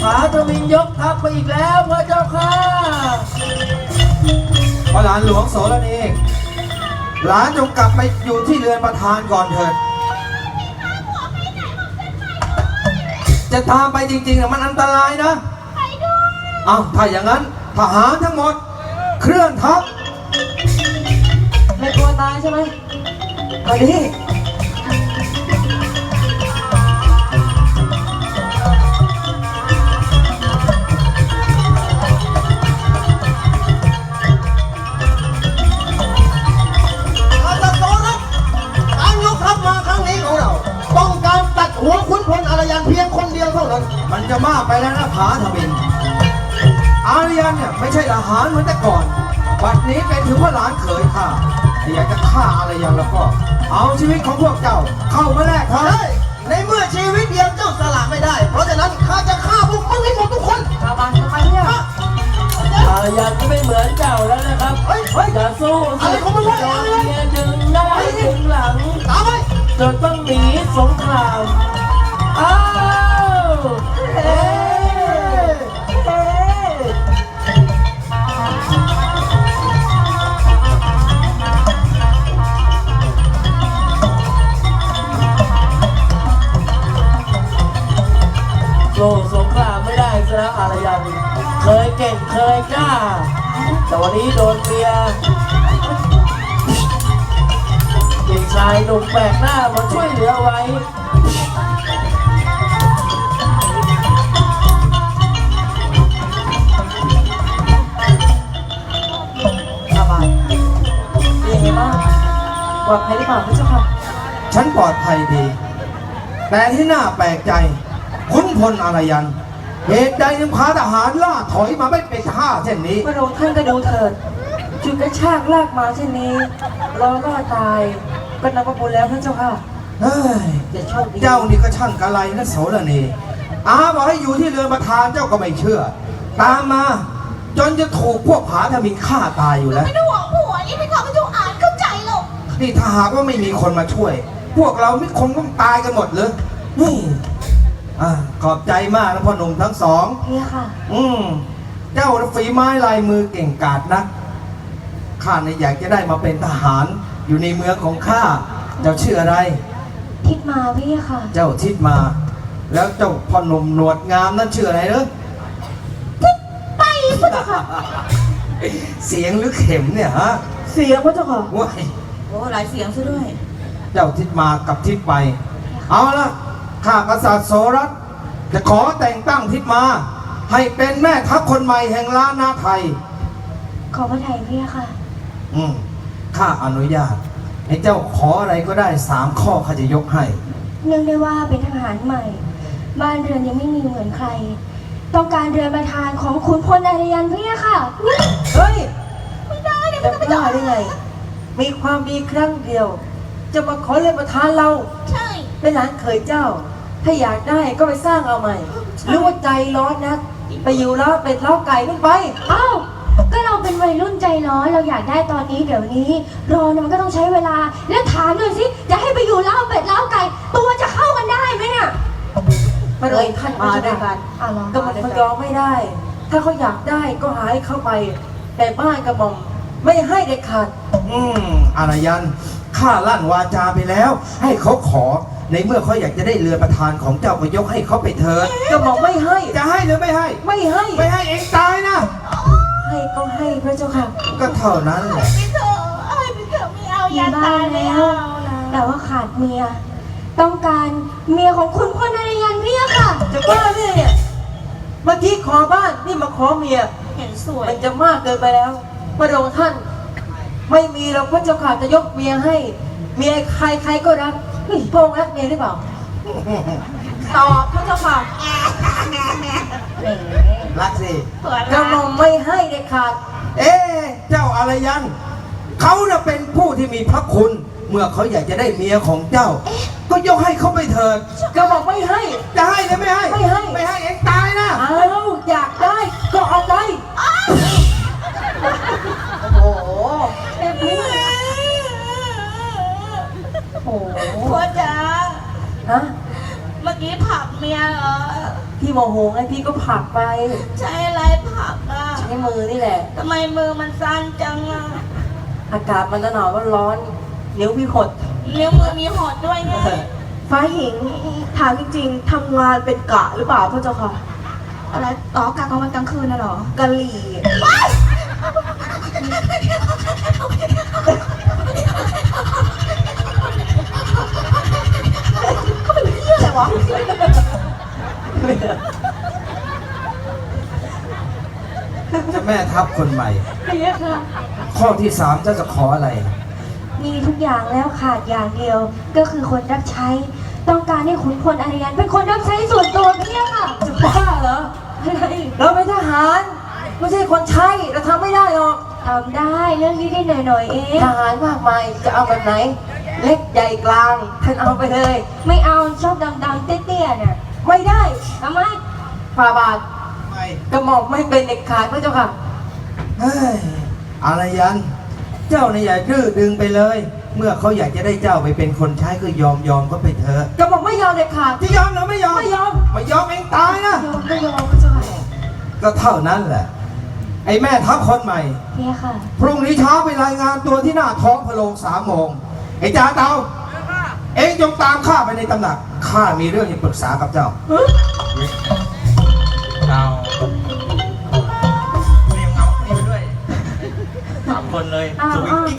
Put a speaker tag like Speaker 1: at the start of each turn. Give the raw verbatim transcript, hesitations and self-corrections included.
Speaker 1: าทวินยกทัพไปอีกแล้วพระเจ้าค่ะ
Speaker 2: พระหลานหลวงโสรณีหลานจงกลับไปอยู่ที่เรือนประธานก่อนเถิดจะตามไปจริงๆนะมันอันตรายนะไปด้วยอ้าวถ้าอย่างนั้นทหารทั้งหมดเคลื่อนทัพ
Speaker 1: ไม่กลัวตายใช่ไหมไปดิ
Speaker 3: หัวคุณพลอารยันเพียงคนเดียวเท่านั้น
Speaker 2: มันจะมากไปแล้วนะผาทวินอารยันเนี่ยไม่ใช่ทหารเหมือนแต่ก่อนบัดนี้เป็นถึงว่าหลานเขยข้าอยากจะฆ่าอารยันแล้วก็เอาชีวิตของพวกเจ้าเข้ามาแลกเถอะ
Speaker 3: ในเมื่อชีวิตเดียวเจ้าสละไม่ได้เพราะฉะนั้นข้าจะฆ่าพวกมึงให้หมดทุกคน
Speaker 1: ข้ามาทำไมเนี่ยอารยันก็ไม่เหมือนเจ้าแล้วนะครับจะสู้
Speaker 3: อะไรของมึงวะ
Speaker 1: โดนเมียดึงหน้าดึงหลัง
Speaker 3: ตามไป
Speaker 1: จนต้องหนีสงครามอ้าวเฮ้เฮ้สู้สงครามไม่ได้ซะแล้วอารยันเคยเก่งเคยกล้าแต่วันนี้โดนเมียเด็กชายหนุ่มแปลกหน้ามาช่วยเหลือไว้อาบานเป็นยังไงบ้างปลอดภัยหรือเปล่าพระเจ้าค่ะ
Speaker 2: ฉันปลอดภัยดีแต่ที่น่าแปลกใจขุนพลอารยันเหตุใดยังพาทหารล่าถอยมาไม่เป็นท่าเช่นนี้
Speaker 1: พระองค์ท่านก็ดูเถิดจุดกระชากลากมาเช่นนี้รอล่อตายก็นับว่าบุญแล้วพระเจ้าค่ะ
Speaker 2: เฮ้ยเจ้านี่ก็ช่างกะไรนะโสรณีอาบอกให้อยู่ที่เรือนประธานเจ้าก็ไม่เชื่อตามมาจนจะถูกพวกผาทมินฆ่าตายอยู่แล้ว
Speaker 4: ไม่ได้หวังผัวนี่ไม่ทำให้เจ้าอ่านเข้าใจหรอก
Speaker 2: นี่ถ้าหากว่าไม่มีคนมาช่วยพวกเราไม่คงต้องตายกันหมดเลยนี่อ่าขอบใจมากนะพ่อหนุ่มทั้งสอง
Speaker 4: นี่ค่ะ
Speaker 2: อืมเจ้าฝีไม้ลายมือเก่งกาจนักข้าเนี่ยอยากจะได้มาเป็นทหารอยู่ในเมืองของข้าเจ้าชื่ออะไร
Speaker 4: ทิดมาพี่ค่ะ
Speaker 2: เจ้าทิดมาแล้วเจ้าพ่อหนุ่มหนวดงามนั่นชื่ออะไรเนอะ
Speaker 4: ทิดไปพระเจ้าค่ะ
Speaker 2: เสียงหรือเข็มเนี่ยฮะ
Speaker 1: เสียงพระเจ้าค่ะ
Speaker 2: ว้าย
Speaker 4: โอ้หลายเสียงซะด้วย
Speaker 2: เจ้าทิดมากับทิดไปเอาละข้ากษัตริย์โสรัตจะขอแต่งตั้งทิดมาให้เป็นแม่ทัพคนใหม่แห่งล้านนาไทย
Speaker 4: ขอพระไทยพี่ค่ะ
Speaker 2: อืมข้าอนุญาตให้เจ้าขออะไรก็ได้สามข้อข้าจะยกให้
Speaker 4: เนื่องได้ว่าเป็นทหารใหม่บ้านเรือนยังไม่มีเหมือนใครต้องการเรือนประธานของขุนพลอารยันพี่ค่ะ
Speaker 1: เฮ้ย
Speaker 4: ไม่ได้เลย
Speaker 1: จะกล้าได้ไงมีความดีครั้งเดียวจะมาขอเรือนประธานเรา
Speaker 4: ใช่
Speaker 1: เป็นหลานเคยเจ้าถ้าอยากได้ก็ไปสร้างเอาใหม่หรือว่าใจร้อนนักไปอยู่แล้วเป็ดเล้าไก่ขึ้นไป
Speaker 4: อ้าวก็เราเป็นวัยรุ่นใจร้อนเราอยากได้ตอนนี้เดี๋ยวนี้รอเนี่ยมันก็ต้องใช้เวลาแล้วถามหน่อยสิจะให้ไปอยู่เล้าเป็ดเล้าไก่ตัวจะเข้ากันได้ไหมเนี่ย
Speaker 1: มาเลยท่านมาด้วยกันก็มันเขายอมไม่ได้ถ้าเขาอยากได้ก็หาให้เข้าไปแต่บ้านกระหม่อมไม่ให้เด็ดขาด
Speaker 2: อืมอารยันข้าลั่นวาจาไปแล้วให้เขาขอในเมื่อเขาอยากจะได้เรือประธานของเจ้าก็ยกให้เขาไปเถิด
Speaker 1: กระหม่อมไม่ให้
Speaker 2: จะให้หรือไม่ให้
Speaker 1: ไม่ให้
Speaker 2: ไม่ให้เองตายนะ
Speaker 1: ให้ก็ให้พระเจ้าค่ะ
Speaker 2: ก็เท่านั้นแหละ
Speaker 4: ไม่เถอะให้ไปเถอะไม่เอาอย่าตายแล้วแต่ว่าขาดเมียต้องการเมียของคุณพ่อนายยันพี่ค่ะ
Speaker 1: จะบ้าเนี่ยเมื่อกี้ขอบ้านนี่มาขอเมีย
Speaker 4: เห็นสวย
Speaker 1: มันจะมากเกินไปแล้วพระองค์ท่านไม่มีเราพระเจ้าค่ะจะยกเมียให้เมียใครใครก็รักพระองค์รักเมียหรือเปล่า
Speaker 4: ตอบพระเจ้าค่ะ
Speaker 2: รักสิ
Speaker 1: กระหม่อมไม่ให้เด็ดขาด
Speaker 2: เอ๊เจ้าอารยันเขาน่ะเป็นผู้ที่มีพระคุณเมื่อเขาอยากจะได้เมียของเจ้าก็ยกให้เขาไปเถิด
Speaker 1: กระหม่อมไม่ให้
Speaker 2: จะให้หรือไม่ให้
Speaker 1: ไม่ให้
Speaker 2: ไม่ให้เองตายนะ
Speaker 1: อ้าวอยากได้ก็เอาไปโอ้โหเอ็มพี่
Speaker 4: พ่อจ๋า
Speaker 1: ฮะ
Speaker 4: เมื่อกี้ผักเมียเหรอ
Speaker 1: พี่โมโหไงพี่ก็ผลักไป
Speaker 5: ใช้อะไรผักอ่ะ
Speaker 1: ใช้มือนี่แหละ
Speaker 5: ทำไมมือมันสั้นจังอ่ะ
Speaker 1: อากาศมันหนาวมันร้อนนิ้วพี่หด
Speaker 5: นิ้วมือมีหดด้วยไง
Speaker 6: ฟ้าหญิงถามจริงๆทำงานเป็นกะหรือเปล่าพระเจ้าค่ะ
Speaker 5: อะไรอ๋อกะกลางวันกลางคืนน่ะเหรอก
Speaker 6: ะหรี่
Speaker 5: อะไรวะ
Speaker 2: เจะแม่ทัพคนใหม่
Speaker 4: เพียค่ะ
Speaker 2: ข้อที่สามเจ้าจะขออะไร
Speaker 4: มีทุกอย่างแล้วขาดอย่างเดียว ก็คือคนรับใช้ ต้องการให้ขุนพลอารยันเป็นคนรับใช้ส่วนตัวเพียค่ะ
Speaker 1: จะบ้าเหรอ
Speaker 4: อะไร
Speaker 1: เราเป็นทหารไม่ใช่คนใช้เราทำไม่ได้หรอก
Speaker 4: ทำได้เรื่องนี้ได้หน่อยๆเอง
Speaker 1: ทหารมากมายจะเอาแบบไหน เล็กใหญ่กลางท่านเอาไปเลย
Speaker 4: ไม่เอาชอบดำๆเตี้ยๆเนี่ย
Speaker 1: ไม่ได้
Speaker 4: ทำไม
Speaker 1: ฝ่าบาท
Speaker 2: ไม่
Speaker 1: กระหม่อมไม่เป็นเด็กขาดพระเจ้าค่ะ
Speaker 2: เฮ้ยอารยัน เจ้าเนี่ยอย่าดื้อดึงไปเลย เมื่อเขาอยากจะได้เจ้าไปเป็นคนใช้ก็ยอมยอมก็ไปเถอะ
Speaker 1: กระหม่อมไม่ยอมเด็ดขาด
Speaker 2: ที่ยอมหรือไม่ยอม
Speaker 1: ไม่ยอม
Speaker 2: ไม่ยอมเองตายนะ
Speaker 6: ยอมไม่ยอมพระเจ้าค่ะ
Speaker 2: ก็เท่านั้นแหละ ไอ้แม่ทัพคนใหม่
Speaker 4: เพียค่ะ
Speaker 2: พรุ่งนี้เช้าไปรายงานตัวที่หน้าท้องพระโรงสามโมง ไอ้จ่าเตาเองจงตามข้าไปในตำหนัก ข้ามีเรื่องจะปรึกษากับเจ้า
Speaker 7: เราเรียงเงานี่ไปด้วยสามคนเลย
Speaker 4: อ้าว
Speaker 7: สวิง
Speaker 4: อ้าว
Speaker 7: กิ้ง